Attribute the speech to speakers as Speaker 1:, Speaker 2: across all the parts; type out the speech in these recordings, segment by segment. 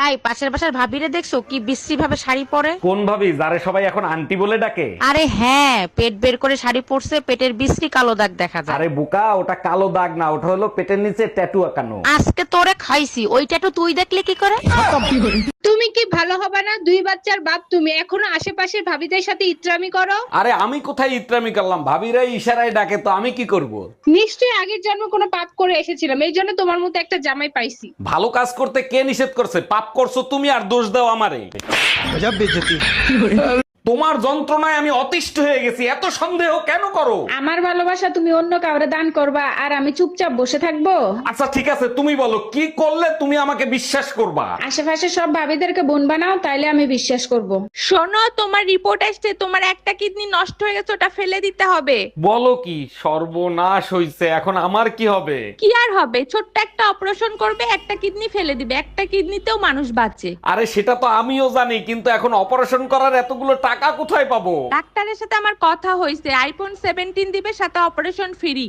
Speaker 1: এই পাশের বাসার ভাবিরে দেখছো কি বিশ্রী ভাবে শাড়ি পরে?
Speaker 2: কোন ভাবি যারে সবাই এখন আন্টি বলে ডাকে?
Speaker 1: আরে হ্যাঁ, পেট বের করে শাড়ি পরছে, পেটের বিশ্রী কালো দাগ দেখা যায়।
Speaker 2: আরে বোকা, ওটা কালো দাগ না, ওটা হলো পেটের নিচে ট্যাটু আঁকানো।
Speaker 1: আজকে তোরে খাইছি, ওইটা তো তুই দেখলে কি করে?
Speaker 3: তুমি কি ভালো হবে না? দুই বাচ্চার বাপ তুমি, এখনো আশেপাশের ভাবিদের সাথে ইত্রামি করো।
Speaker 2: আরে আমি কোথায় ইত্রামি করলাম, ভাবিরাই ইশারায় ডাকে, তো আমি কি করব?
Speaker 3: নিশ্চয়ই আগের জন্মে কোনো পাপ করে এসেছিলাম, এই জন্য তোমার মতো একটা জামাই পাইছি।
Speaker 2: ভালো কাজ করতে কে নিষেধ করছে? পাপ করছো তুমি আর দোষ দাও আমারে। তোমার যন্ত্রণায় আমি অতিষ্ঠ হয়ে গেছি, এত সন্দেহ কেন করো?
Speaker 3: আমার ভালোবাসা তুমি অন্য কাউরে দান করবা আর আমি চুপচাপ বসে থাকবো?
Speaker 2: আচ্ছা ঠিক আছে, তুমি বলো কি করলে তুমি আমাকে বিশ্বাস করবা?
Speaker 3: আশেপাশে সব ভাবিদেরকে বোন বানাও, তাইলে আমি বিশ্বাস করব।
Speaker 4: শোনো, তোমার রিপোর্ট আসছে, তোমার একটা কিডনি নষ্ট হয়ে গেছে, ওটা ফেলে দিতে হবে।
Speaker 2: বলো কি? সর্বনাশ হইছে, এখন আমার কি হবে?
Speaker 4: কি আর হবে, ছোট্ট একটা অপারেশন করবে, একটা কিডনি ফেলে দিবে, একটা কিডনিতেও মানুষ বাঁচে।
Speaker 2: আরে সেটা তো আমিও জানি, কিন্তু এখন অপারেশন করার এতগুলো টাকা কোথায় পাবো?
Speaker 4: ডাক্তারের সাথে আমার কথা হয়েছে, আইফোন 17 দিবে, সাথে অপারেশন ফ্রি।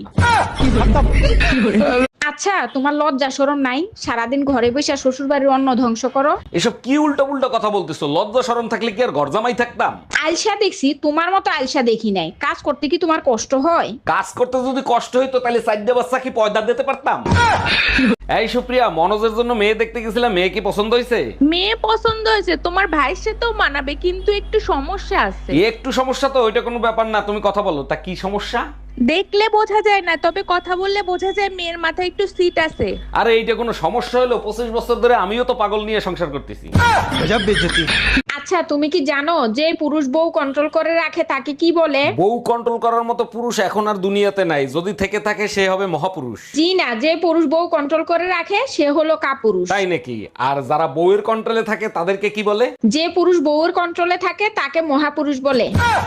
Speaker 3: আচ্ছা, তোমার লজ্জা শরম নাই? সারাদিন ঘরে বসে শ্বশুর বাড়ির অন্ন ধ্বংস করো।
Speaker 2: এসব কি উল্টো উল্টো কথা বলতেছো? লজ্জা শরম থাকলে কি আর ঘর জামাই থাকতাম?
Speaker 3: আলসা দেখছি, তোমার মতো আলসা দেখি নাই। কাজ করতে কি তোমার কষ্ট হয়?
Speaker 2: কাজ করতে যদি কষ্ট হইতো তাহলে চারটে বাচ্চা কি পয়দা দিতে পারতাম? এই সুপ্রিয়া, মনোজের জন্য মেয়ে দেখতে গেছিলাম, মেয়ে কি পছন্দ হয়েছে?
Speaker 4: মেয়ে পছন্দ হয়েছে, তোমার ভাইয়ের সাথেও মানাবে, কিন্তু একটু সমস্যা আছে।
Speaker 2: একটু সমস্যা তো, ওইটা কোনো ব্যাপার না, তুমি কথা বলো, তা কি সমস্যা?
Speaker 4: দেখলে বোঝা যায় না, তবে কথা বললে বোঝা যায় মেয়ের মাথায় একটু সিট আছে।
Speaker 2: আরে এইটা কোনো সমস্যা হলো? 25 বছর ধরে আমিও তো পাগল নিয়ে সংসার করতেছি।
Speaker 3: আচ্ছা, তুমি কি জানো যে পুরুষ বউ কন্ট্রোল করে রাখে তাকে কি বলে?
Speaker 2: বউ কন্ট্রোল করার মতো পুরুষ এখন আর দুনিয়াতে নাই, যদি থেকে থাকে সে হবে মহাপুরুষ।
Speaker 3: জি না, যে পুরুষ বউ কন্ট্রোল করে রাখে সে হলো কাপুরুষ।
Speaker 2: তাই নাকি? আর যারা বউয়ের কন্ট্রোলে থাকে তাদেরকে কি বলে?
Speaker 3: যে পুরুষ বউর কন্ট্রোলে থাকে তাকে মহাপুরুষ বলে।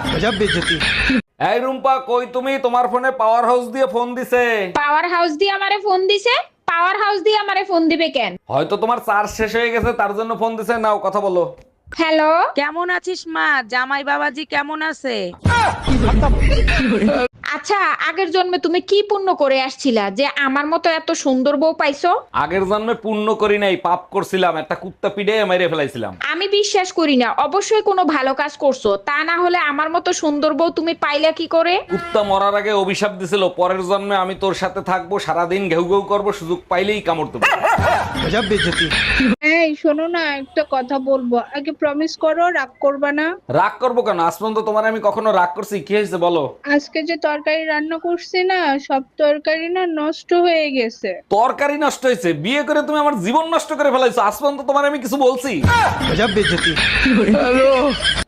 Speaker 2: এই রুম্পা, কই তুমি? তোমার ফোনে পাওয়ার হাউস দিয়ে ফোন দিছে।
Speaker 3: পাওয়ার হাউস দিয়ে আমারে ফোন দিছে? পাওয়ার হাউস দিয়ে আমারে ফোন দিবে কেন?
Speaker 2: হয়তো তোমার চার্জ শেষ হয়ে গেছে, তার জন্য ফোন দিছে। নাও কথা বলো।
Speaker 3: হ্যালো,
Speaker 1: কেমন আছিস মা? জামাই বাবাজি কেমন আছে?
Speaker 3: আচ্ছা, আগের জন্মে তুমি কি পুণ্য করে আসছিলা যে আমার মতো এত সুন্দর বউ পাইছো?
Speaker 2: আগের জন্মে পুণ্য করি নাই, পাপ করছিলাম, একটা কুত্তা পিড়ে মেরে ফেলাইছিলাম।
Speaker 3: আমি বিশ্বাস করি না, অবশ্যই কোনো ভালো কাজ করছো, তা না হলে আমার মতো সুন্দর বউ তুমি পাইলা কি করে?
Speaker 2: কুত্তা মরার আগে অভিশাপ দিছিল, পরের জন্মে আমি তোর সাথে থাকবো, সারাদিন ঘেউ ঘেউ করবো, সুযোগ পাইলেই কামড় দেবো।
Speaker 5: এই শোনো না, একটা কথা বলবো, আগে প্রমিস করো রাগ করবা না।
Speaker 2: রাগ করবো কেন? আজ পর্যন্ত তোমার আমি কখনো রাগ করছি? কি হয়েছে বলো?
Speaker 5: আজকে যে তরকারি রান্না করছি না, সব তরকারি না নষ্ট হয়ে গেছে।
Speaker 2: তরকারি নষ্ট হয়েছে? বিয়ে করে তুমি আমার জীবন নষ্ট করে ফেলাইছো, আজ পর্যন্ত তোমার আমি কিছু বলছি?